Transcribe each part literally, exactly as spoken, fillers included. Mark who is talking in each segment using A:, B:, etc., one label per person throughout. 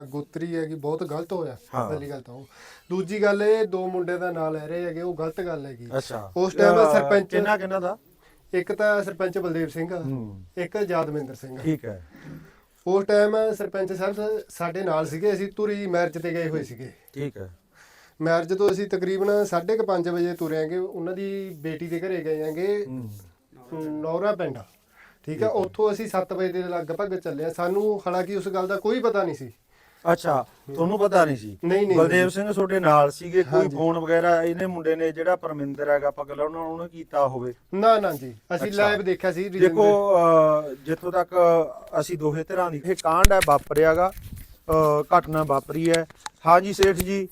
A: ਗੋਤਰੀ ਹੈਗੀ ਬਹੁਤ ਗਲਤ ਹੋਇਆ। ਪਹਿਲੀ ਗੱਲ ਤਾਂ ਉਹ, ਦੂਜੀ ਗੱਲ ਇਹ ਦੋ ਮੁੰਡੇ ਦਾ ਨਾਂ ਲੈ ਰਹੇ ਹੈਗੇ, ਉਹ ਗਲਤ ਗੱਲ ਹੈਗੀ। ਉਸ ਟਾਈਮ ਸਰਪੰਚ
B: ਕਿਹਨਾਂ ਕਿਹਨਾਂ ਦਾ?
A: ਇੱਕ ਤਾਂ ਸਰਪੰਚ ਬਲਦੇਵ ਸਿੰਘ, ਇੱਕ ਯਾਦਵਿੰਦਰ ਸਿੰਘ।
B: ਠੀਕ ਹੈ।
A: ਉਸ ਟਾਈਮ ਸਰਪੰਚ ਸਾਹਿਬ ਸਾਡੇ ਨਾਲ ਸੀਗੇ, ਅਸੀਂ ਤੁਰੀ ਮੈਰਿਜ ਤੇ ਗਏ ਹੋਏ ਸੀਗੇ।
B: ਠੀਕ ਹੈ।
A: ਮੈਰਿਜ ਤੋਂ ਅਸੀਂ ਤਕਰੀਬਨ ਸਾਢੇ ਕੁ ਪੰਜ ਵਜੇ ਤੁਰੇ ਆਂਗੇ, ਉਹਨਾਂ ਦੀ ਬੇਟੀ ਦੇ ਘਰੇ ਗਏ ਆਂਗੇ ਨੌਰਾ ਪਿੰਡ। ਠੀਕ ਹੈ, ਉੱਥੋਂ ਅਸੀਂ ਸੱਤ ਵਜੇ ਦੇ ਲਗਭਗ ਚੱਲੇ ਆ। ਸਾਨੂੰ ਹਾਲਾਂਕਿ ਉਸ ਗੱਲ ਦਾ ਕੋਈ ਪਤਾ ਨਹੀਂ ਸੀ।
B: ਅੱਛਾ, ਤੁਹਾਨੂੰ ਪਤਾ ਨਹੀਂ ਸੀ?
A: ਨਹੀਂ ਨਹੀਂ
B: ਬਲਦੇਵ ਸਿੰਘ ਤੁਹਾਡੇ ਨਾਲ ਸੀਗੇ? ਕੋਈ ਫੋਨ ਵਗੈਰਾ ਇਹਨੇ ਮੁੰਡੇ ਨੇ ਜਿਹੜਾ ਪਰਮਿੰਦਰ ਹੈਗਾ ਪਗਲਾ ਉਹਨਾਂ ਉਹਨੇ ਕੀਤਾ ਹੋਵੇ?
A: ਨਾ ਨਾ ਜੀ, ਅਸੀਂ ਲਾਈਵ ਦੇਖਿਆ ਸੀ।
B: ਦੇਖੋ ਜਿੱਥੋਂ ਤੱਕ ਅਸੀਂ ਦੋਹੇ ਤਰ੍ਹਾਂ ਦੀ ਇਹ ਕਾਂਡ ਹੈ ਵਾਪਰਿਆਗਾ, ਘਟਨਾ ਵਾਪਰੀ ਹੈ। ਹਾਂਜੀ ਸੇਠ ਜੀ,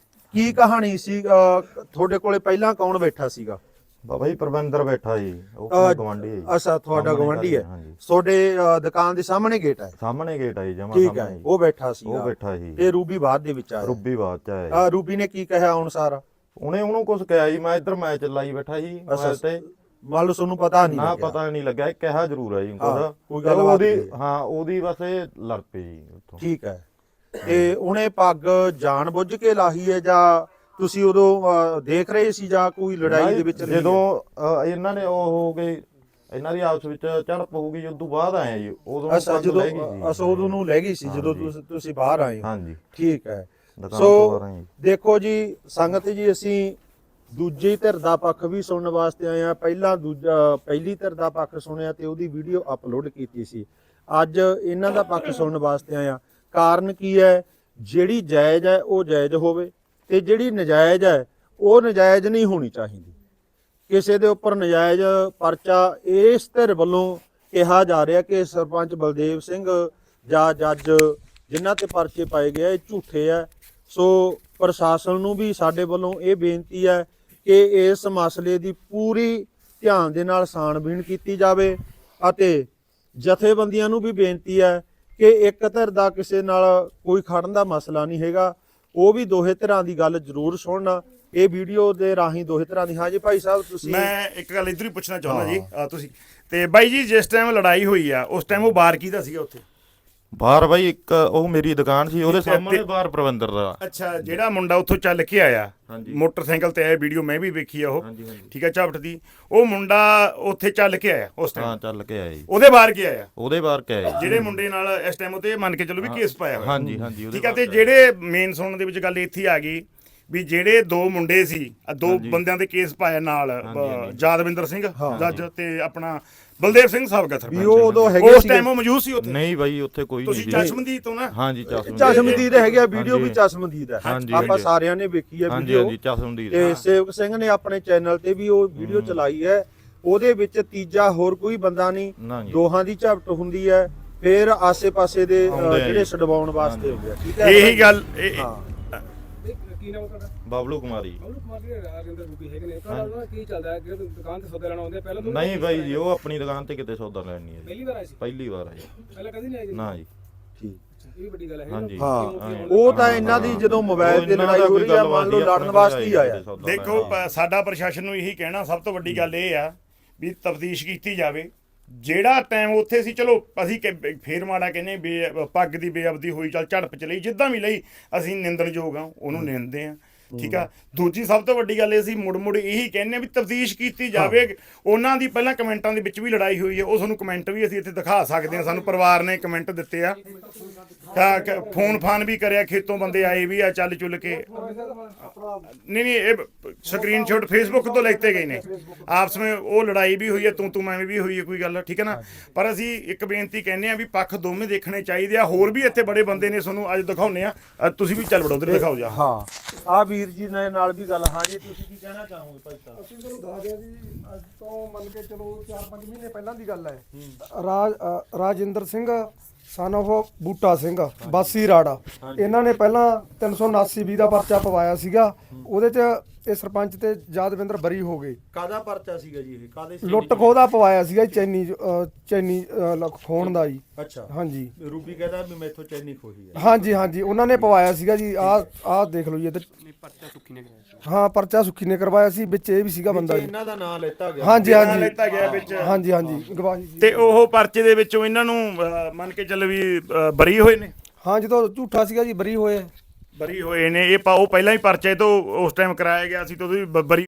B: ਕੀ ਕਹਾਣੀ ਸੀ? ਤੁਹਾਡੇ ਕੋਲੇ ਪਹਿਲਾਂ ਕੌਣ ਬੈਠਾ ਸੀਗਾ?
C: ਬਾਬਾ ਜੀ ਪਰਵਿੰਦਰ ਬੈਠਾ ਜੀ, ਉਹ ਗਵਾਂਢੀ ਹੈ।
B: ਅੱਛਾ, ਤੁਹਾਡਾ ਗਵਾਂਢੀ ਹੈ। ਤੁਹਾਡੇ ਦੁਕਾਨ ਦੇ ਸਾਹਮਣੇ ਗੇਟ ਹੈ?
C: ਸਾਹਮਣੇ ਗੇਟ ਹੈ ਜੀ, ਜਮਾ
B: ਠੀਕ ਹੈ। ਉਹ ਬੈਠਾ ਸੀ?
C: ਉਹ ਬੈਠਾ ਸੀ।
B: ਤੇ ਰੂਬੀ ਬਾਅਦ ਦੇ ਵਿੱਚ ਆਇਆ?
C: ਰੂਬੀ ਬਾਅਦ ਚ ਆਇਆ।
B: ਆ ਰੂਬੀ ਨੇ ਕੀ ਕਿਹਾ ਅਨੁਸਾਰ?
C: ਉਹਨੇ ਉਹਨੂੰ ਕੁਝ ਕਿਹਾ ਜੀ, ਮੈਂ ਇੱਧਰ ਮੈਚ ਲਾਈ ਬੈਠਾ ਸੀ ਤੇ
B: ਮੰਨ ਲਓ ਤੁਹਾਨੂੰ ਪਤਾ ਨਹੀਂ
C: ਨਾ ਪਤਾ ਨਹੀਂ ਲੱਗਿਆ, ਕਿਹਾ ਜ਼ਰੂਰ ਹੈ ਜੀ
B: ਕੋਈ ਗੱਲ
C: ਉਹਦੀ। ਹਾਂ, ਉਹਦੀ ਬਸ ਇਹ ਲੜ ਪਈ ਜੀ ਉੱਥੋਂ।
B: ਠੀਕ ਹੈ। ਤੇ ਉਹਨੇ ਪੱਗ ਜਾਣ ਬੁੱਝ ਕੇ ਲਾਹੀ ਹੈ ਜਾਂ ਤੁਸੀਂ ਉਦੋਂ ਦੇਖ ਰਹੇ ਸੀ ਜਾਂ ਕੋਈ ਲੜਾਈ ਦੇ ਵਿੱਚ?
C: ਜਦੋਂ ਇਹਨਾਂ ਨੇ ਉਹ ਹੋ ਗਏ, ਇਹਨਾਂ ਦੀ ਆਪਸ ਵਿੱਚ ਝੜਪ ਹੋ ਗਈ, ਉਦੋਂ ਬਾਅਦ ਆਏ ਜੀ। ਉਦੋਂ
B: ਅੱਛਾ, ਜਦੋਂ ਅਸਾ ਉਦੋਂ ਨੂੰ ਲੈ ਗਈ ਸੀ ਜਦੋਂ ਤੁਸੀਂ ਬਾਹਰ ਆਏ?
C: ਹਾਂਜੀ,
B: ਠੀਕ ਹੈ। ਸੋ ਦੇਖੋ ਜੀ ਸੰਗਤ ਜੀ, ਅਸੀਂ ਦੂਜੀ ਧਿਰ ਦਾ ਪੱਖ ਵੀ ਸੁਣਨ ਵਾਸਤੇ ਆਏ ਆ। ਪਹਿਲਾਂ ਦੂਜਾ ਪਹਿਲੀ ਧਿਰ ਦਾ ਪੱਖ ਸੁਣਿਆ ਤੇ ਉਹਦੀ ਵੀਡੀਓ ਅਪਲੋਡ ਕੀਤੀ ਸੀ। ਅੱਜ ਇਹਨਾਂ ਦਾ ਪੱਖ ਸੁਣਨ ਵਾਸਤੇ ਆਏ ਆ। ਕਾਰਨ ਕੀ ਹੈ? ਜਿਹੜੀ ਜਾਇਜ਼ ਹੈ ਉਹ ਜਾਇਜ਼ ਹੋਵੇ ਤੇ ਜਿਹੜੀ ਨਜਾਇਜ਼ ਹੈ ਉਹ ਨਜਾਇਜ਼ ਨਹੀਂ ਹੋਣੀ ਚਾਹੀਦੀ। ਕਿਸੇ ਦੇ ਉੱਪਰ ਨਜਾਇਜ਼ ਪਰਚਾ ਇਸ ਧਿਰ ਵੱਲੋਂ ਕਿਹਾ ਜਾ ਰਿਹਾ ਕਿ ਸਰਪੰਚ ਬਲਦੇਵ ਸਿੰਘ ਜਾਂ ਜੱਜ ਜਿਨ੍ਹਾਂ ਤੇ ਪਰਚੇ ਪਾਏ ਗਏ ਇਹ ਝੂਠੇ ਆ। ਸੋ ਪ੍ਰਸ਼ਾਸਨ ਨੂੰ ਵੀ ਸਾਡੇ ਵੱਲੋਂ ਇਹ ਬੇਨਤੀ ਹੈ ਕਿ ਇਸ ਮਸਲੇ ਦੀ ਪੂਰੀ ਧਿਆਨ ਦੇ ਨਾਲ ਛਾਣਬੀਣ ਕੀਤੀ ਜਾਵੇ ਅਤੇ ਜਥੇਬੰਦੀਆਂ ਨੂੰ ਵੀ ਬੇਨਤੀ ਹੈ ਕਿ ਇੱਕ ਧਿਰ ਦਾ ਕਿਸੇ ਨਾਲ ਕੋਈ ਖੜਨ ਦਾ ਮਸਲਾ ਨਹੀਂ ਹੈਗਾ, ਉਹ ਵੀ ਦੋਹੇ ਧਿਰਾਂ ਦੀ ਗੱਲ ਜ਼ਰੂਰ ਸੁਣਨਾ ਇਹ ਵੀਡੀਓ ਦੇ ਰਾਹੀਂ ਦੋਹੇ ਧਿਰਾਂ ਦੀ। ਹਾਂ ਜੀ ਭਾਈ ਸਾਹਿਬ, ਤੁਸੀਂ?
D: ਮੈਂ ਇੱਕ ਗੱਲ ਇੱਧਰ ਹੀ ਪੁੱਛਣਾ ਚਾਹੁੰਦਾ ਜੀ। ਤੁਸੀਂ ਤੇ ਬਾਈ ਜੀ, ਜਿਸ ਟਾਈਮ ਲੜਾਈ ਹੋਈ ਆ ਉਸ ਟਾਈਮ ਉਹ ਬਾਰ ਕਿਹਦਾ ਸੀਗਾ ਉੱਥੇ?
C: ਬਾਹਰ ਬਾਈ ਇੱਕ ਉਹ ਮੇਰੀ ਦੁਕਾਨ ਸੀ, ਉਹਦੇ ਸਾਹਮਣੇ ਬਾਹਰ ਪਰਵਿੰਦਰ ਦਾ।
D: ਅੱਛਾ, ਜਿਹੜਾ ਮੁੰਡਾ ਉੱਥੋਂ ਚੱਲ ਕੇ ਆਇਆ ਮੋਟਰਸਾਈਕਲ ਤੇ ਆਇਆ, ਵੀਡੀਓ ਮੈਂ ਵੀ ਵੇਖੀ ਆ ਉਹ। ਠੀਕ ਹੈ, ਝਾਪਟ ਦੀ ਉਹ ਮੁੰਡਾ ਉੱਥੇ ਚੱਲ ਕੇ ਆਇਆ ਉਸ ਟਾਈਮ?
C: ਹਾਂ, ਚੱਲ ਕੇ ਆਇਆ ਜੀ।
D: ਉਹਦੇ ਬਾਹਰ ਕੀ ਆਇਆ?
C: ਉਹਦੇ ਬਾਹਰ ਕੇ ਆਇਆ
D: ਜਿਹੜੇ ਮੁੰਡੇ ਨਾਲ ਇਸ ਟਾਈਮ ਉਤੇ ਮੰਨ ਕੇ ਚੱਲੋ ਵੀ ਕੇਸ ਪਾਇਆ ਹੋਇਆ।
C: ਹਾਂਜੀ ਹਾਂਜੀ।
D: ਠੀਕ ਹੈ, ਤੇ ਜਿਹੜੇ ਮੇਨ ਸੁਣਨ ਦੇ ਵਿੱਚ ਗੱਲ ਇੱਥੇ ਆ ਗਈ ਵੀ ਜਿਹੜੇ ਦੋ ਮੁੰਡੇ ਸੀ, ਦੋ ਬੰਦਿਆਂ ਦੇ ਕੇਸ ਪਾਇਆ ਨਾਲ, ਯਾਦਵਿੰਦਰ ਸਿੰਘ ਜੱਜ ਤੇ ਆਪਣਾ ਬਲਦੇਵ ਸਿੰਘ ਸਾਬਕਾ ਸਰਪੰਚ, ਉਸ ਟਾਈਮ ਉਹ ਮੌਜੂਦ ਸੀ ਉੱਥੇ?
C: ਨਹੀਂ ਬਾਈ, ਉੱਥੇ ਕੋਈ ਨਹੀਂ ਸੀ।
D: ਤੁਸੀਂ ਚਸ਼ਮਦੀਦ ਤੋਂ ਨਾ?
C: ਹਾਂਜੀ, ਚਸ਼ਮਦੀਦ।
B: ਚਸ਼ਮਦੀਦ ਹੈਗਾ, ਵੀਡੀਓ ਵੀ ਚਸ਼ਮਦੀਦ ਹੈ, ਆਪਾਂ ਸਾਰਿਆਂ ਨੇ ਵੇਖੀ ਹੈ ਵੀਡੀਓ।
C: ਹਾਂਜੀ, ਚਸ਼ਮਦੀਦ।
B: ਤੇ ਸੇਵਕ ਸਿੰਘ ਨੇ ਆਪਣੇ ਚੈਨਲ ਤੇ ਵੀ ਉਹ ਵੀਡੀਓ ਚਲਾਈ ਹੈ। ਉਹਦੇ ਵਿੱਚ ਤੀਜਾ ਹੋਰ ਕੋਈ ਬੰਦਾ ਨਹੀਂ, ਦੋਹਾਂ ਦੀ ਝਪਟ ਹੁੰਦੀ ਹੈ, ਫਿਰ ਆਸੇ-ਪਾਸੇ ਦੇ ਜਿਹੜੇ ਛਡਵਾਉਣ ਵਾਸਤੇ ਹੁੰਦੇ ਆ। ਠੀਕ ਹੈ,
D: ਇਹੀ ਗੱਲ।
C: ਬਬਲੂ ਕੁਮਾਰੀ।
E: ਕੀ ਚੱਲਦਾ ਹੈ? ਦੁਕਾਨ ਤੇ ਸੌਦਾ ਲੈਣ ਆਉਂਦੇ ਪਹਿਲਾਂ?
C: ਨਹੀਂ ਬਾਈ ਜੀ, ਉਹ ਆਪਣੀ ਦੁਕਾਨ ਤੇ ਕਿਤੇ ਸੌਦਾ ਲੈਣ ਨਹੀਂ ਆਏ।
E: ਪਹਿਲੀ ਵਾਰ ਆਏ ਸੀ?
C: ਪਹਿਲੀ ਵਾਰ ਆਏ।
E: ਪਹਿਲਾਂ ਕਦੀ ਨਹੀਂ ਆਏ ਜੀ?
C: ਨਾ ਜੀ।
B: ਠੀਕ,
E: ਇਹ ਵੱਡੀ ਗੱਲ ਹੈ।
C: ਹਾਂਜੀ,
B: ਹਾਂ। ਉਹ ਤਾਂ ਇਹਨਾਂ ਦੀ ਜਦੋਂ ਮੋਬਾਈਲ ਤੇ ਲੜਾਈ ਹੋ ਰਹੀ ਆ, ਮੰਨ ਲਓ ਲੜਨ ਵਾਸਤੇ ਹੀ ਆਇਆ।
D: ਦੇਖੋ, ਸਾਡਾ ਪ੍ਰਸ਼ਾਸਨ ਨੂੰ ਇਹੀ ਕਹਿਣਾ, ਸਭ ਤੋਂ ਵੱਡੀ ਗੱਲ ਇਹ ਆ ਵੀ ਤਫਤੀਸ਼ ਕੀਤੀ ਜਾਵੇ। ਜਿਹੜਾ ਟਾਈਮ ਉੱਥੇ ਸੀ, ਚਲੋ ਅਸੀਂ ਫੇਰ ਮਾੜਾ ਕਹਿੰਦੇ ਬੇ ਪੱਗ ਦੀ ਬੇਅਬਦੀ ਹੋਈ, ਚੱਲ ਝੜਪ ਚ ਲਈ, ਜਿੱਦਾਂ ਵੀ ਲਈ, ਅਸੀਂ ਨਿੰਦਣਯੋਗ ਆ, ਉਹਨੂੰ ਨਿੰਦਦੇ ਆ। ਠੀਕ ਆ। ਦੂਜੀ ਸਭ ਤੋਂ ਵੱਡੀ ਗੱਲ ਇਹ ਸੀ, ਮੁੜ ਮੁੜ ਇਹੀ ਕਹਿੰਦੇ ਵੀ ਤਫਤੀਸ਼ ਕੀਤੀ ਜਾਵੇ। ਉਹਨਾਂ ਦੀ ਪਹਿਲਾਂ ਕਮੈਂਟਾਂ ਦੇ ਵਿੱਚ ਵੀ ਲੜਾਈ ਹੋਈ ਹੈ, ਉਹ ਤੁਹਾਨੂੰ ਕਮੈਂਟ ਵੀ ਅਸੀਂ ਇੱਥੇ ਦਿਖਾ ਸਕਦੇ ਹਾਂ। ਸਾਨੂੰ ਪਰਿਵਾਰ ਨੇ ਕਮੈਂਟ ਦਿੱਤੇ ਆ, ਫੋਨ ਫਾਨ ਵੀ ਕਰਿਆ, ਖੇਤੋਂ ਬੰਦੇ ਆਏ ਵੀ ਆ ਚੱਲ ਚੁੱਲ ਕੇ। ਨਹੀਂ ਨਹੀਂ, ਇਹ ਸਕਰੀਨਸ਼ਾਟ ਫੇਸਬੁੱਕ ਤੋਂ ਲਿਖਤੇ ਗਏ ਨੇ। ਆਪਸ ਵਿੱਚ ਉਹ ਲੜਾਈ ਵੀ ਹੋਈ ਹੈ, ਤੂੰ ਤੂੰ ਮੈਂ ਵੀ ਹੋਈ ਹੈ, ਕੋਈ ਗੱਲ ਠੀਕ ਹੈ ਨਾ। ਪਰ ਅਸੀਂ ਇੱਕ ਬੇਨਤੀ ਕਹਿੰਦੇ ਆ ਵੀ ਪੱਖ ਦੋਵੇਂ ਦੇਖਣੇ ਚਾਹੀਦੇ ਆ। ਹੋਰ ਵੀ ਇੱਥੇ ਬੜੇ ਬੰਦੇ ਨੇ, ਤੁਹਾਨੂੰ ਅੱਜ ਦਿਖਾਉਂਦੇ ਆ, ਤੁਸੀਂ ਵੀ ਚੱਲ ਵੜੋ ਉਧਰ ਦਿਖਾਓ ਜਾ।
B: ਹਾਂ, ਆ ਵੀਰ ਜੀ ਨੇ ਨਾਲ ਵੀ ਗੱਲ। ਹਾਂ ਜੀ, ਤੁਸੀਂ ਕੀ ਕਹਿਣਾ ਚਾਹੋਗੇ ਭਾਈ ਸਾਹਿਬ?
A: ਅਸੀਂ ਤੁਹਾਨੂੰ ਦੱਸ ਦਿਆਂ ਜੀ, ਅੱਜ ਤੋਂ ਮੰਨ ਕੇ ਚਲੋ ਚਾਰ ਪੰਜ ਮਹੀਨੇ ਪਹਿਲਾਂ ਦੀ ਗੱਲ ਹੈ। ਰਾਜ ਰਾਜਿੰਦਰ ਸਿੰਘ ਸਨ ਆਫ ਬੂਟਾ ਸਿੰਘ ਬਾਸੀ ਰਾੜਾ, ਇਹਨਾਂ ਨੇ ਪਹਿਲਾਂ ਤਿੰਨ ਸੌ ਉਨਾਸੀ ਵੀਹ ਦਾ ਪਰਚਾ ਪਵਾਇਆ ਸੀਗਾ। ਉਹਦੇ 'ਚ ਇਹ ਸਰਪੰਚ ਤੇ ਯਾਦਵਿੰਦਰ ਬਰੀ ਹੋ ਗਏ।
B: ਕਾਹਦਾ ਪਰਚਾ ਸੀਗਾ ਜੀ ਇਹ? ਕਾਹਦੇ?
A: ਲੁੱਟ ਖੋਹ ਦਾ ਪਵਾਇਆ ਸੀਗਾ, ਚੈਨੀ ਚੈਨੀ ਖੋਣ ਦਾ ਜੀ।
B: ਅੱਛਾ,
A: ਹਾਂਜੀ।
B: ਰੂਬੀ ਕਹਿੰਦਾ ਵੀ ਮੈਥੋਂ ਚੈਨੀ ਖੋਹੀ ਹੈ।
A: ਹਾਂਜੀ ਹਾਂਜੀ, ਉਹਨਾਂ ਨੇ ਪਵਾਇਆ ਸੀਗਾ ਜੀ। ਆਹ ਆਹ ਦੇਖ ਲਓ ਜੀ, ਇੱਧਰ ਪਰਚਾ ਸੁੱਖੀ ਨੇ ਕਰਾਇਆ। ਹਾਂ, ਪਰਚਾ ਸੁੱਖੀ ਨੇ ਕਰਵਾਇਆ ਸੀ, ਵਿੱਚ ਇਹ ਵੀ ਸੀਗਾ ਬੰਦਾ ਜੀ।
B: ਇਹਨਾਂ ਦਾ ਨਾਮ ਲੈਤਾ ਗਿਆ?
A: ਹਾਂਜੀ ਹਾਂਜੀ,
D: ਲੈਤਾ ਗਿਆ ਵਿੱਚ।
A: ਹਾਂਜੀ ਹਾਂਜੀ, ਗਵਾਹੀ।
D: ਤੇ ਉਹ ਪਰਚੇ ਦੇ ਵਿੱਚੋਂ ਇਹਨਾਂ ਨੂੰ ਮੰਨ ਕੇ ਚੱਲ ਵੀ ਬਰੀ ਹੋਏ ਨੇ?
A: ਹਾਂ ਜਦੋਂ ਝੂਠਾ ਸੀਗਾ ਜੀ ਬਰੀ ਹੋਏ।
D: ਬਰੀ ਹੋਏ ਨੇ ਇਹ ਪਾ ਉਹ ਪਹਿਲਾਂ ਹੀ ਪਰਚੇ ਤੋਂ ਉਸ ਟਾਈਮ ਕਰਾਇਆ ਗਿਆ ਸੀ ਤੇ ਉਹਦੀ ਬ- ਬਰੀ